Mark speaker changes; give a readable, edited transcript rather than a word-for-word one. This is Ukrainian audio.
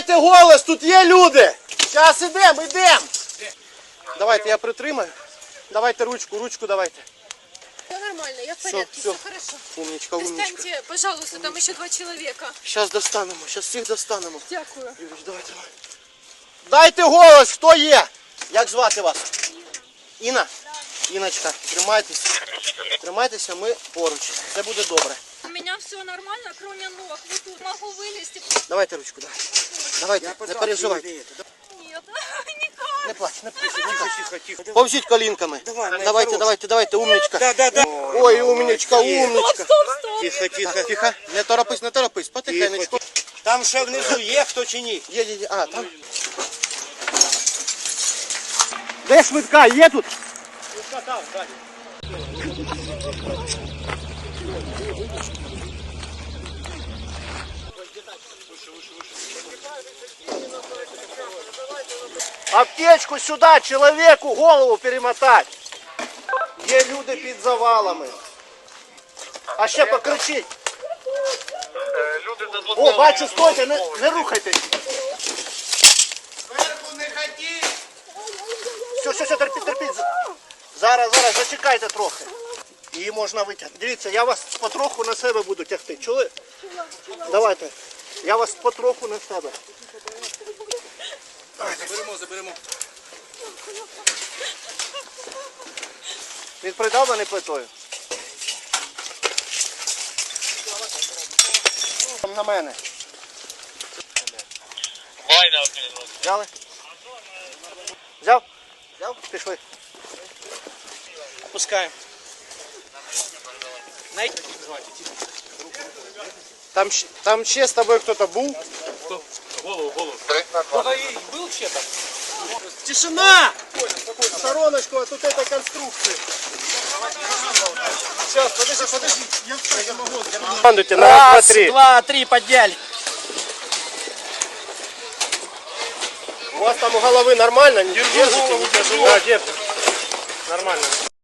Speaker 1: Дайте голос, тут є люди. Зараз ідемо. Давайте я притримаю. Давайте ручку давайте.
Speaker 2: Все нормально, я в порядке, все хорошо.
Speaker 1: Умничка.
Speaker 2: Достаньте, пожалуйста, там еще 2 человека.
Speaker 1: Зараз достанемо, зараз всіх достанемо.
Speaker 2: Дякую.
Speaker 1: Юрій, давайте. Дайте голос, хто є? Як звати вас? Інна? Іночка, тримайтеся, ми поруч. Все буде добре.
Speaker 2: У меня все нормально, кроме ног. Вот тут могу вылезти.
Speaker 1: Давайте ручку, давайте, не переживайте.
Speaker 2: Нет, никак.
Speaker 1: Не плач. Повзіть колінками. Давайте, умничка.
Speaker 3: Да.
Speaker 1: Ой, умничка.
Speaker 2: Стоп.
Speaker 1: Тихо, не торопись, потихенечку.
Speaker 3: Там ще внизу є хто чи ні?
Speaker 1: Є, там. Де швидка, є тут?
Speaker 3: Швидка там, далі.
Speaker 1: Аптечку сюди, чоловіку голову перемотати. Є люди під завалами. А ще покричіть. О, бачу, стойте, не рухайтесь.
Speaker 3: Зверху не ходіть!
Speaker 1: Все, терпіть. Зараз, зачекайте трохи. Її можна витягнути. Дивіться, я вас потроху на себе буду тягти. Чули? Давайте. Я вас потроху на себе.
Speaker 3: Заберемо.
Speaker 1: Він придавлений плитою? На мене. Взяли? Взяв? Пішли.
Speaker 3: Опускаємо.
Speaker 1: Там ще з тобою хтось був?
Speaker 3: Голову. Був ще там?
Speaker 1: Тишина! Стороночку, а тут это конструкция. Сейчас, подожди. Я могу. Командуйте на раз, два, три, подняли. У вас там у головы нормально? Держите, не тяжело. Да, держите. Нормально.